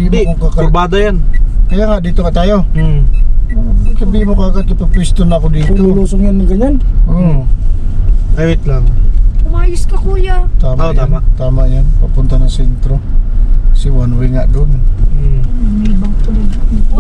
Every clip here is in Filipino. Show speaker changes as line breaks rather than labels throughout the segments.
Hindi,
mo kung
kurbada yan.
Kaya nga, dito ka tayo. Sabihin mo kagad, ipapwisto na ako dito.
Lulusong yan ng ganyan.
Oo.
Ay, wait lang.
Umayos ka, kuya.
Tama
Oo,
yan.
tama.
Tama yan. Papunta ng sentro. Si one way nga doon.
May ibang tulad.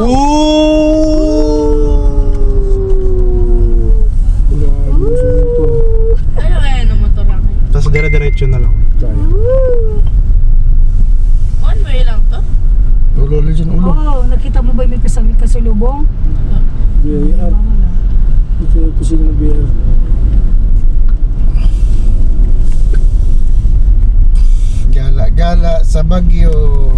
Grabe, lulusong ito.
Ayaw kaya ng motor lang.
Tapos dire-diretso na lang.
Tayo.
One way lang to?
Ulo dyan, ulo.
Oo, nakita mo ba may kasalubong?
BIR. Ito yung kusina ng BIR.
Gala-gala sa Baguio.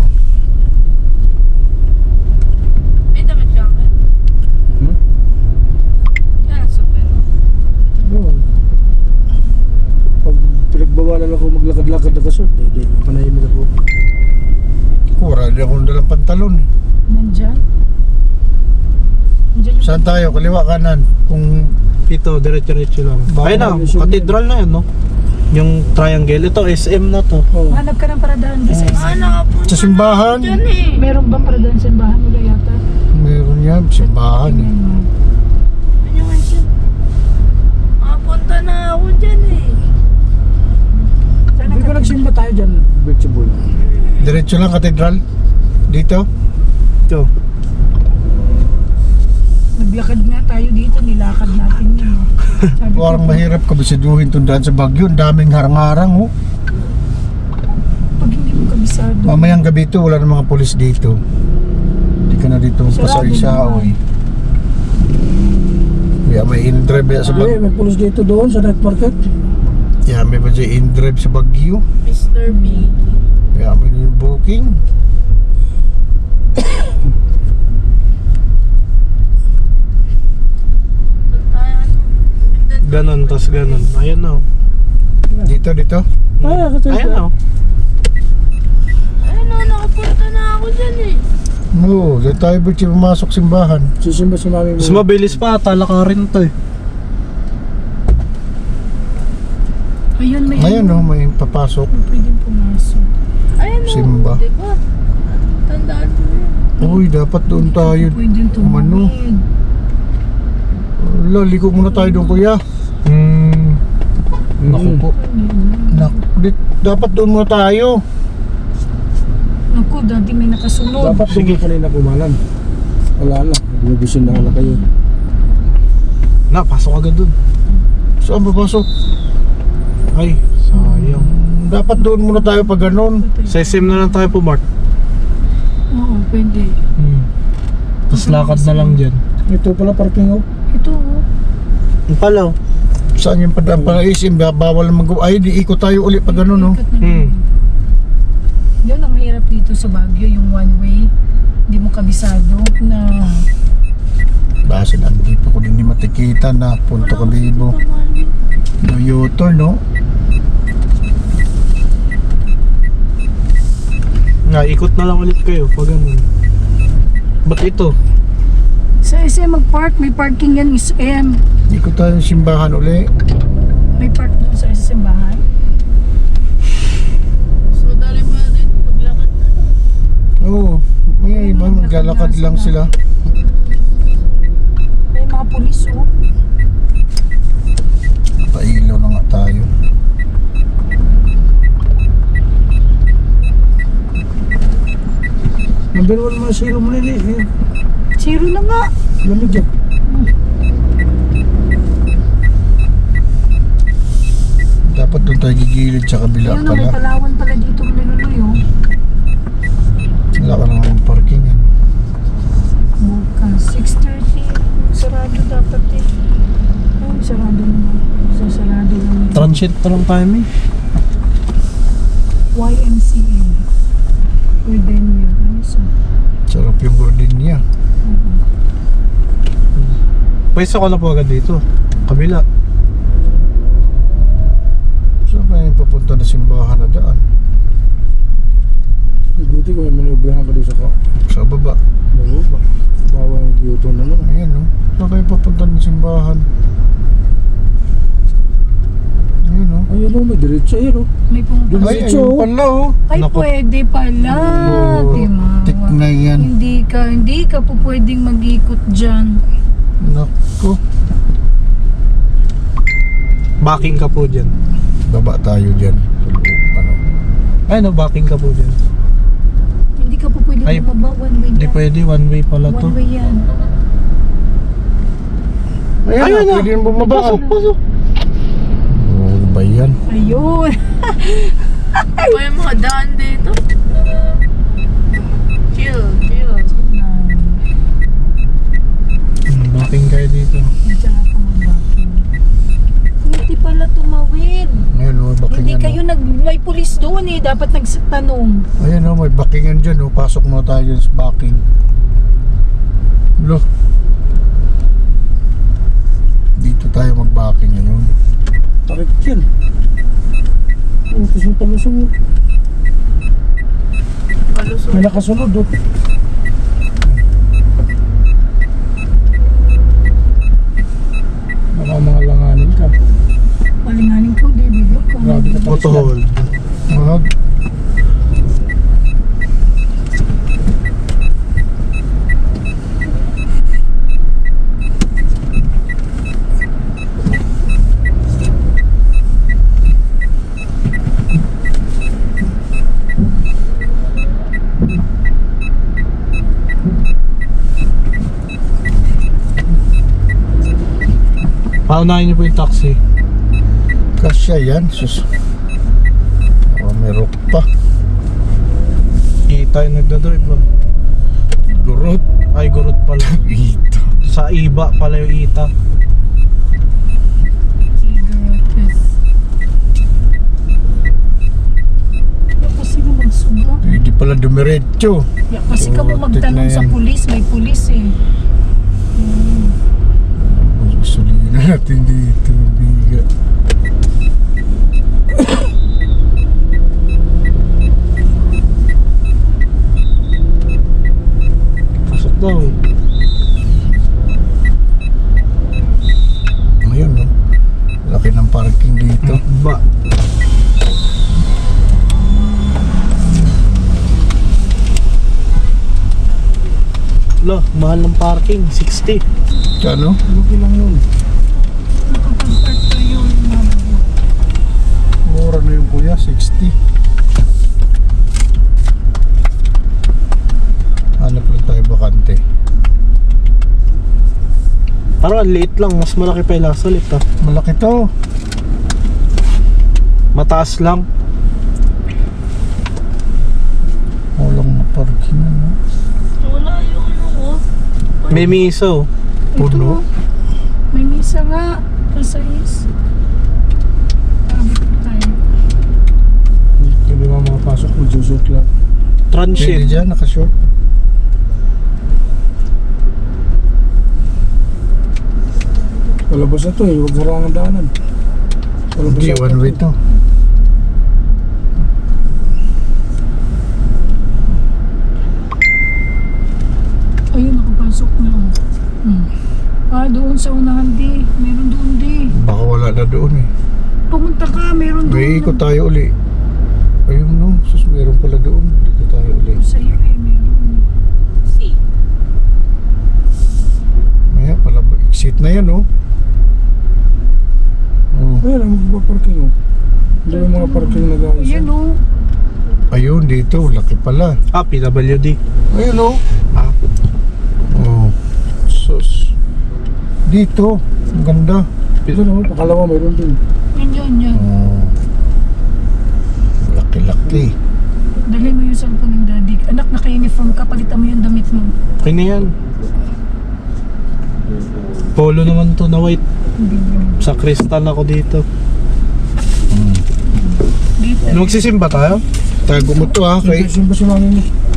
May damit ka ka?
Hmm?
Kaya super.
Doon. Pag pinagbawalan ako maglakad-lakad na kasot, hindi panahimik ako.
Wala din akong dalang pantalon.
Nandyan? Nandyan yung...
Saan tayo? Kaliwa, kanan. Kung
Ito, diretso-diretso lang.
Baka
Ayun na,
lulusong
cathedral na yun, no? Yung triangle. Ito, SM na to.
Oh.
Hanap ka ng paradahan di sa isa.
Nakapunta
sa simbahan.
na ako dyan eh.
Meron bang paradahan sa simbahan nila yata?
meron yan, simbahan.
Tingnan mo.
Ano nga siya? Nakapunta na ako dyan eh.
Saan
Hindi
ang
ba nagsimba tayo dyan, Birchable?
Diretso lang, katedral. Dito.
Ito.
Naglakad nga tayo dito, nilakad natin yun. No? Sabi ko,
Parang mahirap kabisiduhin tundaan sa Baguio. Ang daming harang-harang, oh.
pag hindi mo kabisado.
Mamayang gabi ito, wala na mga polis dito. Hindi ka na dito
Sarado
pasay-isa,
naman.
oy. Kaya may in-drive ya sa
Hindi,
Baguio.
may pulos dito doon sa night market.
Kaya may ba dyan in-drive sa Baguio.
Mr. B.
Kaya may booking.
Ganon, tas ganon. Ayun na.
Dito, dito.
Ah, kasi
Ayun na.
Ayun o, nakapunta na ako dyan eh.
Oo, dito tayo Birchi pumasok simbahan.
sisimba si mami mo.
Mas mabilis pa, talakarin to eh.
Ayun, may
Ngayon, oh, may papasok.
pwedeng pumasok.
Ayun o,
Simba.
diba? Tandaan mo yun.
Uy, dapat doon tayo.
Pwedeng
Umano.
tumawid.
Wala, liko muna tayo doon, kuya. Naku po. Dapat doon muna tayo.
Naku, dati may nakasunod.
Dapat doon kanina kumalan. Wala na, binubusin na nga kayo.
Na, pasok agad dun.
Saan papasok?
Ay, sayang.
Dapat doon muna tayo pag ganun.
Sa SM na lang tayo po, Mark.
Oo, pwede.
Tapos lakad na lang dyan.
Ito pala parking oh.
Ito, oh.
Ang pala, oh.
Saan yung padaan para isim? Bawal mag- Ay, di ikot tayo ulit pag ganun, no?
Ikat na lang. Yun ang mahirap dito sa Baguio, yung one way. Hindi mo kabisado na
Base nandito ko din di matikita na Punto Kalibo. No U-turn, no?
Nga, ikot na lang ulit kayo pag ganun. Ba't ito?
sa SM mag-park, may parking yan SM.
Ikot tayo ng simbahan uli.
May park doon sa SM bahay.
So, dali mo na din paglakad na.
Oo, may iba maglalakad lang sila.
May mga pulis, oh.
Pailaw na nga tayo.
Number 1 mga zero mo nila eh.
Zero na nga.
Lamig yan.
Dapat doon tayo gigilid sa kabila
Ayun, oh, may
pala.
Palawan pala dito nilululoy, oh.
Wala ka naman ng parking yan.
Bukas, 6:30. Sarado dapat eh. Ay, sarado naman. Sarado naman.
Transit pa lang tayo, may.
YMCA. Gardenia. Ayos, oh.
Sarap yung gardenia.
Pwesa ko na po agad dito. Kabila.
Saan ba yung papunta na simbahan na daan?
Buti ko may manubrahan ka doon
Sa baba.
ba? Bawal ang U-turn na naman.
Ayan, no? Saan kayo papunta ng simbahan? Ayan, no?
Ayun o, may diretso yun o.
May
Ay,
pumapasok.
Diretso.
ayun pala oh.
Ay,
Naku.
pwede pala.
Oo,
Timawa.
tik na yan.
Hindi ka po pwedeng mag-ikot dyan.
Naku.
Backing ka po dyan.
Baba tayo dyan. Ano?
Ay no, backing ka po dyan.
Hindi ka po pwedeng
Ay,
bumaba. One way
Hindi
yan.
pwede, one way pala to.
One way yan.
Ayan,
Ayun na.
pwede yung bumaba.
Pasok.
Oh, ba yan?
Ayun.
May mga daan dito. Chill.
Backing kayo dito.
Diyan ka mag-backing. Hindi pala tumawid.
Ayan oh, backingan.
Hindi kayo may pulis doon eh. Dapat nagtanong.
Ayan oh, may backingan dyan oh. Pasok mo tayo dyan sa backing. Look. Dito tayo mag-backing ngayon.
Takip yan. Oh, tapos yung palusong mo.
Palusot.
May nakasunod o.
Baka mga langanin ka.
Palinganin ko, David.
Grabe ka pala
Auto
sila.
hold.
Wag.
Paunahin niyo po yung taxi.
Kasya yan. Sus. Oh, may rock pa.
Kita yung nagdadrive ba?
Gurot.
Ay, gurot pala.
Ito.
Sa iba pala yung ita.
Kasi mo magsuga.
Hindi pala dumiretso.
Kasi ka mo
Putik
magtanong
na
sa
yan.
pulis. May pulis eh.
Gustulihin natin dito. Biga.
Pasok daw.
Ayun no. Laki ng parking dito.
Ba. Lo, mahal ng parking. 60.
Kano?
Okay lang yun.
Nakapag-park tayo.
Mura na yung kuya. 60. Hanap lang tayo bakante.
Parang ang liit lang. Mas malaki pa yung last ulit ah.
Malaki to.
Mataas lang.
Walang na parking ano.
Wala yung ano ko.
May miso.
Puno.
May misa nga. Pasayis. Abot tayo.
Hindi mo makapasok. Magsusot lang.
Pwede
Transit.
dyan, nakashort.
Palabas na to eh. Huwag harangan daanan. Palabas
Hindi,
na
one way to.
Ayun, nakapasok na. Doon sa unahan di. Meron doon di.
Baka wala na doon eh.
Pumunta ka, meron doon.
May ikot tayo uli. Ayun no, sus meron pala doon. Dito tayo uli.
Sa iyo eh, meron.
Si.
Maya pala, exit na yan oh. Oh.
Ayun, ang magpaparking o. Hindi yung mga parking nag-aayos.
Ayan o.
Ayun dito, laki pala.
Ah, PWD.
Ayun oh.
Ah,
Oh. Sus. Dito, ang ganda.
Ito naman, pakalawa mayroon din.
Yan.
Oh. Laki-laki.
Dali mo yung cellphone ng daddy. Anak, naka-uniform ka, palitan mo yung damit mo.
okay na yan. Polo naman to na white. Sa crystal ako dito.
Dito.
Magsisimba tayo?
Tago mo to ha, kay
Sino ba si mami mo?